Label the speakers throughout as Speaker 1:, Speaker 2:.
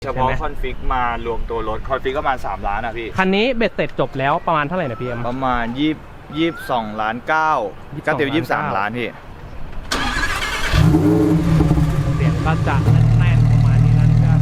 Speaker 1: เฉพาะคอนฟิกมารวมตัวรถคอนฟิกก็ประมาณ3 ล้านนะพี่
Speaker 2: คันนี้เบ็ดเสร็จจบแล้วประมาณเท่าไหร่นะพี่เอ็ม
Speaker 1: ประมาณ22.9 ล้านก็เต็ม23 ล้านพี่
Speaker 2: เสียงก็จะแน่นประมาณนี้นะครับ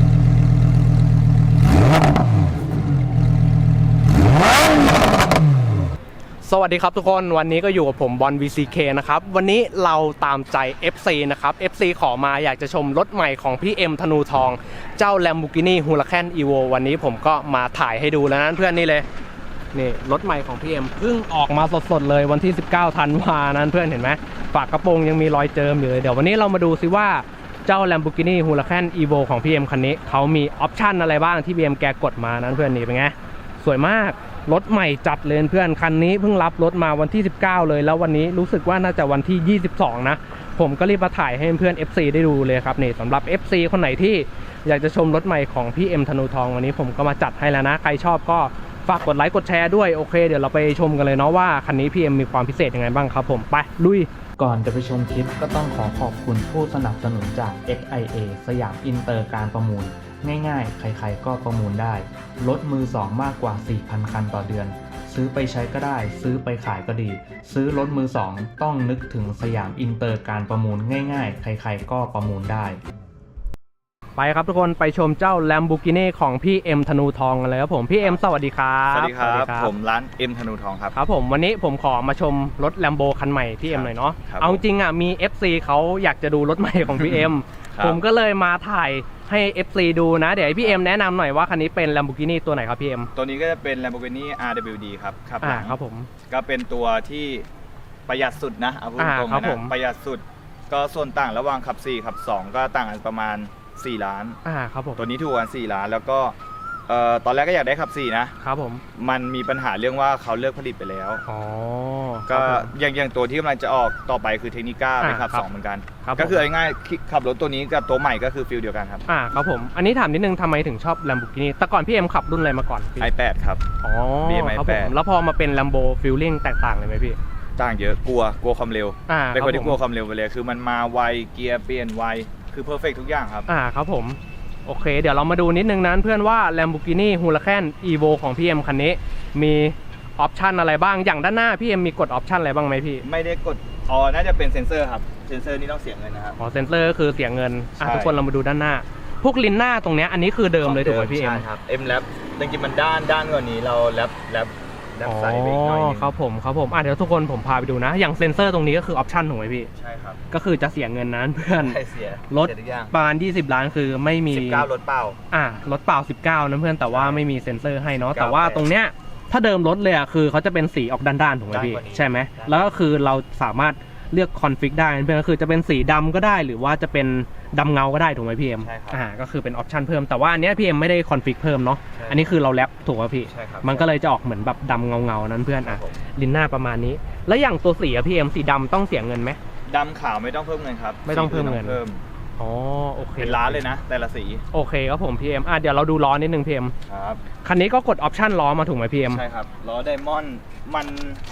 Speaker 2: สวัสดีครับทุกคนวันนี้ก็อยู่กับผมบอล VCK นะครับวันนี้เราตามใจ FC นะครับ FC ขอมาอยากจะชมรถใหม่ของพี่เอ็มธนูทองเจ้า Lamborghini Huracan Evo วันนี้ผมก็มาถ่ายให้ดูแล้วนะเพื่อนนี่เลยนี่รถใหม่ของพี่เอ็มเพิ่งออกมาสดๆเลยวันที่19ธันวานั้นเพื่อนเห็นไหมฝากระโปรงยังมีรอยเจิมอยู่เลยเดี๋ยววันนี้เรามาดูซิว่าเจ้า Lamborghini Huracan Evo ของพี่เอ็มคันนี้เขามีออปชั่นอะไรบ้างที่พี่เอ็มแกกดมานั้นเพื่อนนี่เป็นไงสวยมากรถใหม่จัดเลยเพื่อนคันนี้เพิ่งรับรถมาวันที่19เลยแล้ววันนี้รู้สึกว่าน่าจะวันที่22นะผมก็รีบมาถ่ายให้เพื่อน FC ได้ดูเลยครับนี่สำหรับ FC คนไหนที่อยากจะชมรถใหม่ของพี่เอ็มธนูทองวันนี้ผมก็มาจัดให้แล้วนะใครชอบก็ฝากกดไลค์กดแชร์ด้วยโอเคเดี๋ยวเราไปชมกันเลยเนาะว่าคันนี้พี่เอ็มมีความพิเศษยังไงบ้างครับผมไปลุย
Speaker 3: ก่อนจะไปชมคลิปก็ต้องขอบคุณผู้สนับสนุนจาก XIA สยามอินเตอร์การประมูลง่ายๆใครๆก็ประมูลได้รถมือ2มากกว่า 4,000 คันต่อเดือนซื้อไปใช้ก็ได้ซื้อไปขายก็ดีซื้อรถมือ2ต้องนึกถึงสยามอินเตอร์การประมูลง่ายๆใครๆก็ประมูลได้
Speaker 2: ไปครับทุกคนไปชมเจ้า Lamborghini ของพี่เอ็มธนูทองกันเลยครับผมพี่เอ็มสวัสดีครับ
Speaker 1: สวัสดีครับผมร้านเอ็มธนูทองครับ
Speaker 2: ครับผมวันนี้ผมขอมาชมรถ Lambo คันใหม่พี่เอ็มหน่อยเนาะเอาจริงอ่ะมี FC เขาอยากจะดูรถใหม่ของพี่เอ็มผมก็เลยมาถ่ายให้ FC ดูนะเดี๋ยวพี่เอ็มแนะนำหน่อยว่าคันนี้เป็น Lamborghini ตัวไหนครับพี่เอ็ม
Speaker 1: ตัวนี้ก็จะเป็น Lamborghini RWD ครับ
Speaker 2: ครับผม
Speaker 1: ก็เป็นตัวที่ประหยัดสุดนะเอาพูดตรงๆนะประหยัดสุดก็ส่วนต่างระหว่างขับ4ขับ2ก็ต่างกันประมาณ4 ล้าน
Speaker 2: ครับผม
Speaker 1: ตัวนี้ถูกกว่า4 ล้านแล้วก็ตอนแรกก็อยากได้ขับ4นะครับผมมันมีปัญหาเรื่องว่าเขาเลิกผลิตไปแล้วก็อย่างตัวที่กำลังจะออกต่อไปคือเทคนิก้าไปขับ2เหมือนกันก็คือง่ายๆขับรถตัวนี้กับตัวใหม่ก็คือฟิลเดียวกันครับ
Speaker 2: ครับผมอันนี้ถามนิดนึงทำไมถึงชอบ Lamborghini แต่ก่อนพี่เอ็มขับรุ่นอะไรมาก่อน
Speaker 1: i8 ครับ
Speaker 2: ครับผมแล้วพอมาเป็น Lambo Feeling แตกต่างเลยไหมพี่
Speaker 1: ต่างเยอะกลัวความเร็วเป็นคนที่กลัวความเร็วไปเลยคือมันมาไวเกียร์เปลี่ยนไวคือเพอร์เฟกทุกอย่างครับ
Speaker 2: ครับผมโอเคเดี๋ยวเรามาดูนิดนึงนะเพื่อนว่า Lamborghini Huracan Evo ของพี่เอ็มคันนี้มีออปชันอะไรบ้างอย่างด้านหน้าพี่เอ็มมีกดออปชันอะไรบ้างไหมพี่
Speaker 1: ไม่ได้กดน่าจะเป็นเซ็นเซอร์ครับเซ็นเซอร์นี่ต้องเสียเงินนะครับ
Speaker 2: เซ็นเซอร์คือเสียเงินทุกคนเรามาดูด้านหน้าพวกลิ้นหน้าตรงนี้อันนี้คือเดิมเลยถูกไหมพี่เอ็ม
Speaker 1: ใช่ครับM Lab จริงๆมันด้านกว่านี้เราแลบใส่ไปอีกหน่อยนึง
Speaker 2: ครับผมเดี๋ยวทุกคนผมพาไปดูนะอย่างเซ็นเซอร์ตรงนี้ก็คือออปชันถูกไหมพี่
Speaker 1: ใช่ครับ
Speaker 2: ก็คือจะเสียเงินนั้นเพื่อน
Speaker 1: เสีย
Speaker 2: รถประมาณ20 ล้านคือไม่มี
Speaker 1: 19รถเปล่
Speaker 2: ารถเปล่า19นะเพื่อนแต่ว่าไม่มีเซ็นเซอร์ให้เนาะแต่ว่าตรงเนี้ยถ้าเดิมรถเลยคือเขาจะเป็นสีออกด้านๆถูกไหมพี่ใช่ไหมแล้วก็คือเราสามารถเลือกคอนฟิกได้เพื่อนก็คือจะเป็นสีดำก็ได้หรือว่าจะเป็นดำเงาก็ได้ถูกไหมพี่เอ็มก็คือเป็นออปชันเพิ่มแต่ว่าอันนี้พี่เอ็มไม่ได้คอนฟิกเพิ่มเนาะอันนี้คือเราแรปถูกไหมพี่มันก็เลยจะออกเหมือนแบบดำเงานั้นเพื่อนลิ้นหน้าประมาณนี้แล้วอย่างตัวสีพี่เอ็มสีดำต้องเสียเงินไหม
Speaker 1: ดำขาวไม่ต้องเพิ่มเงินครับ
Speaker 2: ไม่ต้องเพิ่มเงินโอเค
Speaker 1: เป็นล้านเลยนะแต่ละสี
Speaker 2: โอเคครับผมพี่เอ็มเดี๋ยวเราดูล้อนิดนึงพี่เอ็ม
Speaker 1: ครับ
Speaker 2: คันนี้ก็กดออปชันล้อมาถูกไหมพี่เอ็ม
Speaker 1: ใช่ครับล้อไดมอนด์มัน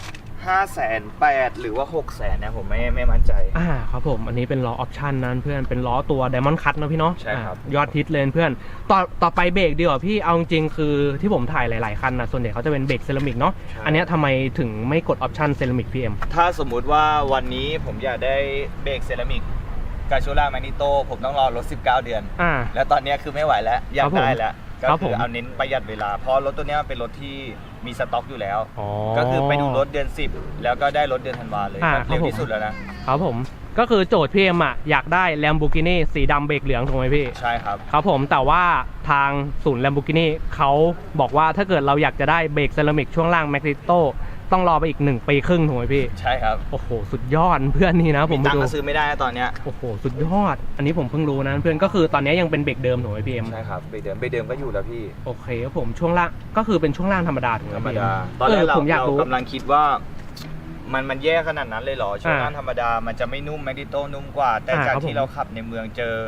Speaker 1: 580,000หรือว่า600,000นะผมไม่มั่นใจ
Speaker 2: ครับผมอันนี้เป็นล้อออปชันนั้นเพื่อนเป็นล้อตัว Diamond Cut นะพี่เนาะ
Speaker 1: ใช่ครับ
Speaker 2: ยอดฮิตเลยเพื่อนต่อไปเบรกดีกว่าพี่เอาจริงคือที่ผมถ่ายหลายๆคันนะส่วนใหญ่เขาจะเป็นเบรกเซรามิกเนาะอันนี้ทำไมถึงไม่กดออปชันเซรามิกพี่เอ็ม
Speaker 1: ถ้าสมมุติว่าวันนี้ผมอยากได้เบรกเซรามิกกาชูล่าแมกนิโตผมต้องรอรถ19เดือนแล้วตอนนี้คือไม่ไหวแล้วอยากได้แล้วก็คือเอาเน้นประหยัดเวลาเพราะรถตัวนี้เป็นรถที่มีสต็อกอยู่แล้วก็คือไปดูรถเดือน10แล้วก็ได้รถเดือนธันวาเลยเร็วที่สุดแล้ว
Speaker 2: นะครับผมก็คือโจทย์พี่เอ็มอยากได้ Lamborghini สีดำเบรกเหลืองถูกไหมพี่
Speaker 1: ใช่ครับ
Speaker 2: ครับผมแต่ว่าทางศูนย์ Lamborghini เขาบอกว่าถ้าเกิดเราอยากจะได้เบรกเซรามิกช่วงล่างแมกนิโตต้องรอไปอีก1 ปีครึ่งถูกไหมพี่
Speaker 1: ใช่ครับ
Speaker 2: โอ้โหสุดยอดเพื่อนนี่นะผม
Speaker 1: ตังค์ซื้อไม่ได้ตอนเนี้ย
Speaker 2: โอ้โหสุดยอดอันนี้ผมเพิ่งรู้นะเพื่อนก็คือตอนนี้ยังเป็นเบรกเดิมถูกไหมพี่เอ็ม
Speaker 1: ใช่ครับเบรกเดิมก็อยู่แล้วพี่
Speaker 2: โอเคครับผมช่วงล่างก็คือเป็นช่วงล่างธรรมดาถูกไหมพี่
Speaker 1: ตอนแรกเรากำลังคิดว่ามันแย่ขนาดนั้นเลยเหรอช่วงล่างธรรมดามันจะไม่นุ่มแมกนิโตนุ่มกว่าแต่จากที่เราขับในเมืองเจอ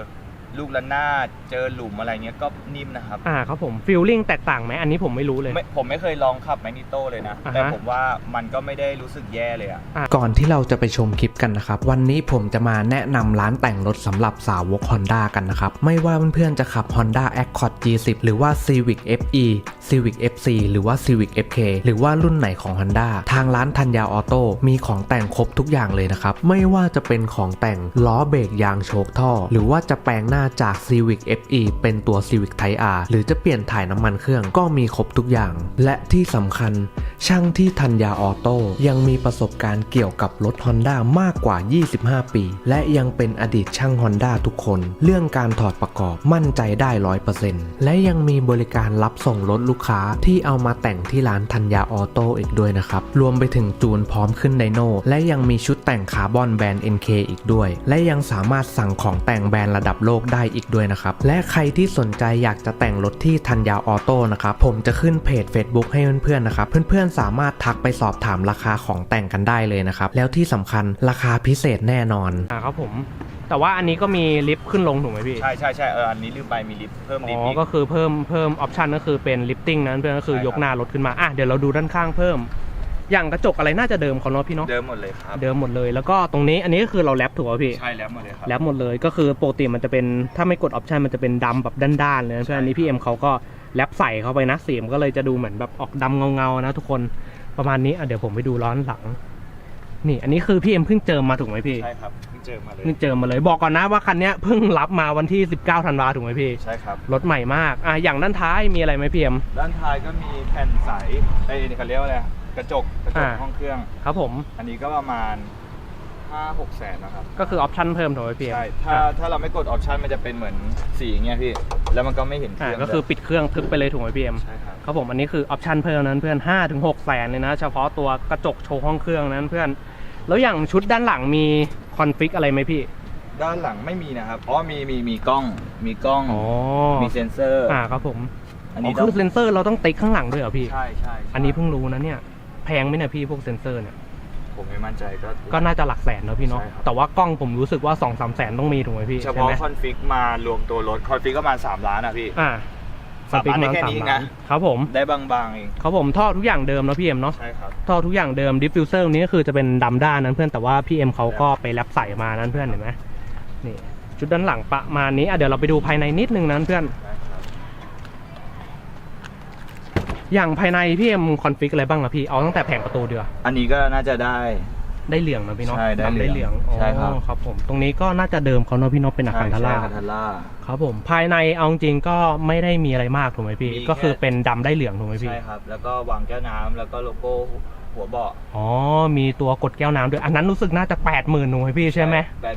Speaker 1: ลูกระนาดเจอหลุมอะไรเงี้ยก็นิ่มนะครับ
Speaker 2: ครับผมฟีลลิ่งแตกต่างไหมอันนี้ผมไม่รู้เลย
Speaker 1: ผมไม่เคยลองขับแมกนิโต้เลยนะแต่ผมว่ามันก็ไม่ได้รู้สึกแย่เลย
Speaker 3: ก่อนที่เราจะไปชมคลิปกันนะครับวันนี้ผมจะมาแนะนำร้านแต่งรถสำหรับสาวก Honda กันนะครับไม่ว่าเพื่อนๆจะขับ Honda Accord G10 หรือว่า Civic FE Civic FC หรือว่า Civic FK หรือว่ารุ่นไหนของ Honda ทางร้านธัญญาออโต้มีของแต่งครบทุกอย่างเลยนะครับไม่ว่าจะเป็นของแต่งล้อเบรกยางโชคท่อหรือว่าจะแปลงหน้าจาก Civic FE เป็นตัว Civic Type R หรือจะเปลี่ยนถ่ายน้ำมันเครื่องก็มีครบทุกอย่างและที่สำคัญช่างที่ธัญญาออโต้ยังมีประสบการณ์เกี่ยวกับรถ Honda มากกว่า25 ปีและยังเป็นอดีตช่าง Honda ทุกคนเรื่องการถอดประกอบมั่นใจได้ 100% และยังมีบริการรับส่งรถลูกค้าที่เอามาแต่งที่ร้านธัญญาออโต้อีกด้วยนะครับรวมไปถึงจูนพร้อมขึ้นไดโน่และยังมีชุดแต่งคาร์บอนแบรนด์ NK อีกด้วยและยังสามารถสั่งของแต่งแบรนด์ระดับโลกได้อีกด้วยนะครับและใครที่สนใจอยากจะแต่งรถที่ธัญญาออโต้นะครับผมจะขึ้นเพจ Facebook ให้เพื่อนๆนะครับเพื่อนๆสามารถทักไปสอบถามราคาของแต่งกันได้เลยนะครับแล้วที่สำคัญราคาพิเศษแน่นอน
Speaker 2: ครับผมแต่ว่าอันนี้ก็มีลิฟต์ขึ้นลงถูกไหมพี่
Speaker 1: ใช่อันนี้ลืมไปมีลิฟต์เพิ่มลิฟต์
Speaker 2: ก็คือเพิ่มออปชันก็คือเป็นลิฟติ้งนั้นเพื่อนก็คือยกหน้ารถขึ้นมาเดี๋ยวเราดูด้านข้างเพิ่มอย่างกระจกอะไรน่าจะเดิมเขาเนาะพี่เนาะ
Speaker 1: เดิมหมดเลยครับ
Speaker 2: เดิมหมดเลยแล้วก็ตรงนี้อันนี้ก็คือเราแรปถูกป่ะพี่
Speaker 1: ใช่แรปหมดเลยครับ
Speaker 2: แรปหมดเลยก็คือปกติมันจะเป็นถ้าไม่กดออปชันมันจะเป็นดำแบบด้านๆเลยเพื่อนอันนี้พี่เอ็มเขาก็แรปใส่เข้าไปนะสีมันก็เลยจะดูเหมือนแบบออกดำเงาๆนะทุกคนประมาณนี้เดี๋ยวผมไปดูล้อหลังนี่อันนี้คือพี่เอ็มเพิ่งเจอมาถูกไหมพี่
Speaker 1: ใช่ครับเพิ่งเจอมา
Speaker 2: เลยบอกก่อนนะว่าคันนี้เพิ่งรับมาวันที่19ธันวาถูกไหมพี่
Speaker 1: ใช่ครับ
Speaker 2: รถใหม่มากอย่างด้านท้ายมีอะไรไหมพี่เอ็ม
Speaker 1: ด้านท้ายก็มีแผ่นใสนี่เขาเรียกว่าอะไรกระจกห้องเครื่อง
Speaker 2: ครับผม
Speaker 1: อันนี้ก็ประมาณ 5-6 แสนนะครับ
Speaker 2: ก็คือออปชั่นเพิ่มถูกไหมพี่
Speaker 1: ใช่ถ้าเราไม่กดออปชั่นมันจะเป็นเหมือนสีอย่างเงี้ยพี่แล้วมันก็ไม่เห็นเครื่อง
Speaker 2: ก็คือปิดเครื่องทึบไปเลยถูกไหมพี่เอ็ม
Speaker 1: ใช่ครับ
Speaker 2: ครับผมอันนี้คือออปชั่นเพิ่มนั้นเพื่อน 5-6 แสนเลยนะเฉพาะตัวกระจกโชว์ห้องเครื่องนั้นเพื่อนแล้วอย่างชุดด้านหลังมีคอนฟิกอะไรไหมพี่
Speaker 1: ด้านหลังไม่มีนะครับมีกล้องมีเซ็นเซอร์
Speaker 2: ครับผมอันนี้คือเซ็นเซอร์เราต้องติ๊กข้างหลังด้วยเหรอพี่
Speaker 1: ใช่
Speaker 2: อันนี้เพิ่งรู้นะเนี่ยแพงไหมเนี่ยพี่พวกเซ็นเซอร์เนี่ย
Speaker 1: ผมไม่มั่นใจ
Speaker 2: ก็น่าจะหลักแสนเนอะพี่เนาะแต่ว่ากล้องผมรู้สึกว่า 2-3 แสนต้องมีถูกไหมพี่
Speaker 1: เฉพาะคอนฟิกมารวมตัวรถคอนฟิกก็ประมาณ3 ล้านนะพี่3 ล้านได้แค่นี้
Speaker 2: นะครับผม
Speaker 1: ได้บางๆเอง
Speaker 2: ครับผมท่อทุกอย่างเดิมนะพี่เอ็มเนาะ
Speaker 1: ใช่ครับ
Speaker 2: ท่อทุกอย่างเดิมดิฟฟิวเซอร์นี้ก็คือจะเป็นดำด้านนั้นเพื่อนแต่ว่าพี่เอ็มเขาก็ไปแรปใส่มานั้นเพื่อนเห็นไหมนี่ชุดด้านหลังประมาณนี้เดี๋ยวเราไปดูภายในนิดนึงนั้นเพื่อนอย่างภายในพี่เอ็มคอนฟิกอะไรบ้างอะพี่เอาตั้งแต่แผงประตูเดียว
Speaker 1: อันนี้ก็น่าจะได้
Speaker 2: เหลืองนะพี่เนาะ
Speaker 1: ได้
Speaker 2: เหลือง
Speaker 1: ใช่ครับ
Speaker 2: ครับผมตรงนี้ก็น่าจะเดิมเขาเนาะพี่เนาะเป็นอาคารทาร่าครับผมภายในเอาจริงก็ไม่ได้มีอะไรมากถูกไหมพี่ก็คือเป็นดำได้เหลืองถูกไหมพี่
Speaker 1: ใช่ครับแล้วก็วางแก้วน้ำแล้วก็โลโก้หัวเบาะ
Speaker 2: มีตัวกดแก้วน้ำด้วยอันนั้นรู้สึกน่าจะ 80,000 ถูกไหมพี่ใช่ไหม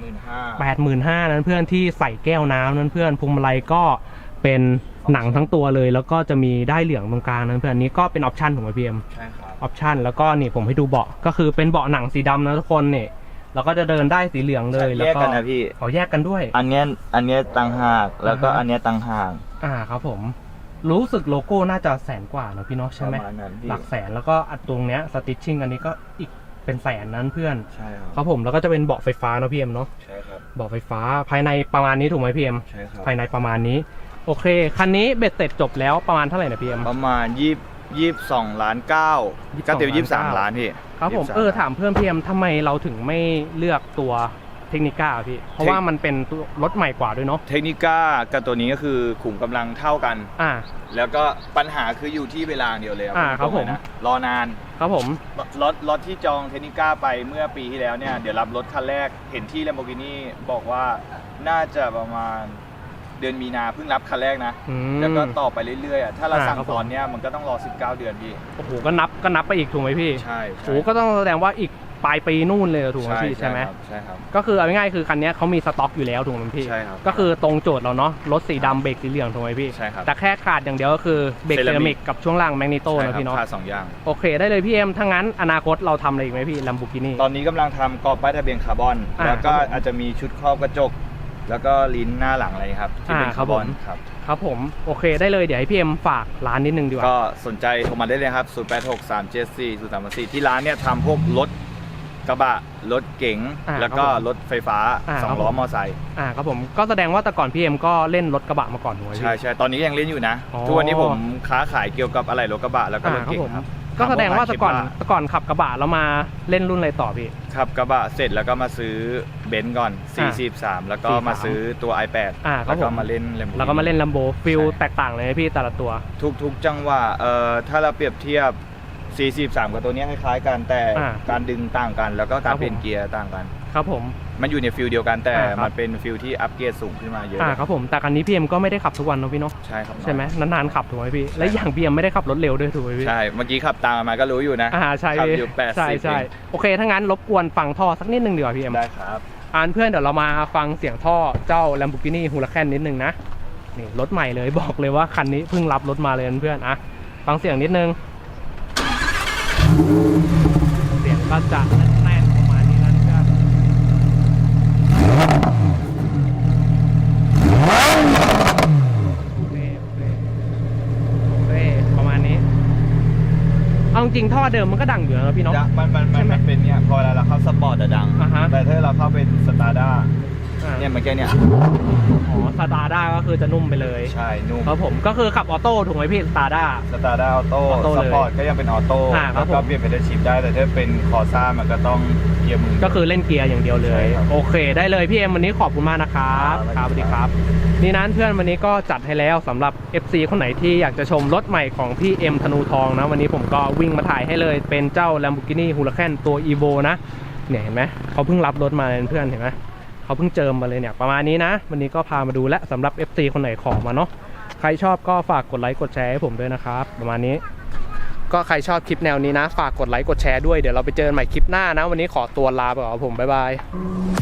Speaker 2: 85,000นั้นเพื่อนที่ใส่แก้วน้ำนั้นเพื่อนพวงมาลัยก็เป็นหนังทั้งตัวเลยแล้วก็จะมีได้เหลืองตรงกลางนั้นเพื่อนนี้ก็เป็นออปชั่นของพี่เอ็ม
Speaker 1: ใช่ครับ
Speaker 2: ออปชั่นแล้วก็นี่ผมให้ดูเบาะก็คือเป็นเบาะหนังสีดำนะทุกคนเนี่ยเราก็จะเดินได้สีเหลืองเลยแล้วก็
Speaker 1: แยกกันนะพี่
Speaker 2: เขาแยกกันด้วย
Speaker 1: อันนี้ต่างหากแล้วก็อันนี้ต่างหาก
Speaker 2: ครับผมรู้สึกโลโก้น่าจะ100,000 กว่านะพี่เนาะใช่ไหมหลักแสนแล้วก็อัดตรงเนี้ยสติชชิ่งอันนี้ก็อีกเป็นแสนนั้นเพื่อน
Speaker 1: ใช่
Speaker 2: ครับผมแล้วก็จะเป็นเบาะไฟฟ้านะพี่เอ็มเนาะ
Speaker 1: ใช่ครับ
Speaker 2: เบาะไฟฟ้าภายในประมาณนี้ถูกไหมพี่เอ็ม
Speaker 1: ใช่ครับ
Speaker 2: ภายในประมาณนี้โอเคคันนี้เบ็ดเสร็จจบแล้วประมาณเท่าไหร่นะพี่เอ็ม
Speaker 1: ประมาณ22.9 ล้านก็เต็ม23 ล้านพี่
Speaker 2: ครับผมถามเพื่อนพี่เอ็มทำไมเราถึงไม่เลือกตัวเทคนิก้าพี่เพราะว่ามันเป็นรถใหม่กว่าด้วยเนาะ
Speaker 1: เทคนิก้ากับตัวนี้ก็คือขุมกำลังเท่ากันแล้วก็ปัญหาคืออยู่ที่เวลาเดียวเลย
Speaker 2: ครับผม
Speaker 1: รอนาน
Speaker 2: ครับผม
Speaker 1: รถที่จองเทคนิก้าไปเมื่อปีที่แล้วเนี่ยเดี๋ยวรับรถคันแรกเห็นที่ Lamborghini บอกว่าน่าจะประมาณเดือนมีนาเพิ่งรับคันแรกนะแล้วก็ต่อไปเรื่อยๆถ้าเราสั่งตอนนี้มันก็ต้องรอ19 เดือนพี่
Speaker 2: โอ้โหก็นับไปอีกถูกไหมพี่
Speaker 1: ใช่
Speaker 2: โอ้ก็ต้องแสดงว่าอีกปลายปีนู่นเลยถูกไหมพี่ใช่ไหม
Speaker 1: ใช่ครับ
Speaker 2: ก็คือเอาง่ายๆคือคันนี้เขามีสต็อกอยู่แล้วถูกไหมพี่
Speaker 1: ใช่ครับ
Speaker 2: ก็คือตรงโจทย์เราเนาะรถสีดำเบรกสีเหลืองถูกไหมพี่
Speaker 1: ใช่ครับ
Speaker 2: แต่แค่ขาดอย่างเดียวก็คือเบรกเซรามิกกับช่วงล่างแมกนีโต้นะพี่เนาะ
Speaker 1: ขาด2 อย่าง
Speaker 2: โอเคได้เลยพี่เอ็มถ้างั้นอนาคตเราทำอะไรอีกไหมพี่ Lamborghini
Speaker 1: ตอนนี้กำลังทำกรอบป้ายทะเบียนคาร์บอนแล้วก็อาจจะมีชุดครอบกระจกแล้วก็ลิ้นหน้าหลังอะไรครับที่เป็นคาร์บอน
Speaker 2: ครับผมโอเคได้เลยเดี๋ยวให้พี่เอ็มฝากร้านนิดนึงดีกว่า
Speaker 1: ก็สนใจโทรมาได้เลยครับ0863740334ที่ร้านเนี่ยทำพวกรถกระบะรถเก๋งแล้วก็รถไฟฟ้า2 ล้อมอไซค์
Speaker 2: ครับผมก็แสดงว่าแต่ก่อนพี่เอ็มก็เล่นรถกระบะมาก่อนถูกไหมพี่
Speaker 1: ใช่ตอนนี้ยังเล่นอยู่นะทุกวันนี้ผมค้าขายเกี่ยวกับอะไรรถกระบะแล้วก็รถเก๋งครับ
Speaker 2: ก็แสดงว่าแต่ก่อนขับกระบะแล้วมาเล่นรุ่นอะไรต่อพี่
Speaker 1: ขับกระบะเสร็จแล้วก็มาซื้อเบนซ์ก่อน43แล้วก็มาซื้อตัว i8 แล้วก็มาเล่นLambo
Speaker 2: แล้วก็มาเล่นLamboฟิลแตกต่างเลยพี่แต่ละตัว
Speaker 1: ทุกจังหวะถ้าเราเปรียบเทียบ43กับตัวนี้คล้ายๆกันแต่การดึงต่างกันแล้วก็การเปลี่ยนเกียร์ต่างกัน
Speaker 2: ครับผม
Speaker 1: มันอยู่ในฟิลเดียวกันแต่มันเป็นฟิลที่อัปเกรดสูงขึ้นมาเยอะ
Speaker 2: ครับผมแต่คันนี้พี่เอ็มก็ไม่ได้ขับทุกวันนะพี่เนาะ
Speaker 1: ใช่ครับ
Speaker 2: ใช่ไหมนานๆขับถูกไหมพี่และอย่างพี่เอ็มไม่ได้ขับรถเร็วด้วยถูกไหมพี่
Speaker 1: ใช่เมื่อกี้ขับตามมาก็รู้อยู่นะ
Speaker 2: ใช่
Speaker 1: ขับอยู่80
Speaker 2: ใช่โอเคถ้างั้นรบกวนฟังท่อสักนิดนึงดีกว่าพี่เอ็ม
Speaker 1: ได้ครับ
Speaker 2: เพื่อนเดี๋ยวเรามาฟังเสียงท่อเจ้า Lamborghini Huracan นิดนึงนะนี่รถใหม่เลยบอกเลยว่าคันนี้เพิ่งรับรถมาเลยเพื่อนฟังเสียงนิดนึงเสียงก็จะแน่นประมาณนี้นะครับโอเคประมาณนี้เอาจริงท่อเดิมมันก็ดังอยู่นะพี่น้อง
Speaker 1: มันเป็นเนี่ยพอเวลาเราเข้าสปอร์ตจะดังแต่ถ้าเราเข้าเป็นสตาร์ด้าเนี่ยมันแค่เนี่ย
Speaker 2: สตาร์ด้าก็คือจะนุ่มไปเลย
Speaker 1: ใช่นุ่ม
Speaker 2: ครับผมก็คือขับออโต้ถูกไหมพี่สตาร์ด้า
Speaker 1: ออโต้สปอร์ตก็ยังเป็นออโต้แล้วก็เปลี่ยนเป็นชิปได้แต่ถ้าเป็นคอร์ซ่ามันก็ต้องเกียร์มือ
Speaker 2: ก็คือเล่นเกียร์อย่างเดียวเลยโอเคได้เลยพี่เอ็มวันนี้ขอบคุณมากนะครับสวัสดีครับนี่นั้นเพื่อนวันนี้ก็จัดให้แล้วสำหรับ FC คนไหนที่อยากจะชมรถใหม่ของพี่เอ็มธนูทองนะวันนี้ผมก็วิ่งมาถ่ายให้เลยเป็นเจ้า Lamborghini Huracan ตัว Evo นะเนี่ยเห็นไหมเขาเพิ่งรับรถมาเพื่อนเห็นไหมเขาเพิ่งเจิมมาเลยเนี่ยประมาณนี้นะวันนี้ก็พามาดูและสำหรับ FC คนไหนขอมาเนาะใครชอบก็ฝากกดไลค์กดแชร์ให้ผมด้วยนะครับประมาณนี้ก็ใครชอบคลิปแนวนี้นะฝากกดไลค์กดแชร์ด้วยเดี๋ยวเราไปเจอกันใหม่คลิปหน้านะวันนี้ขอตัวลาไปก่อนผมบ๊ายบาย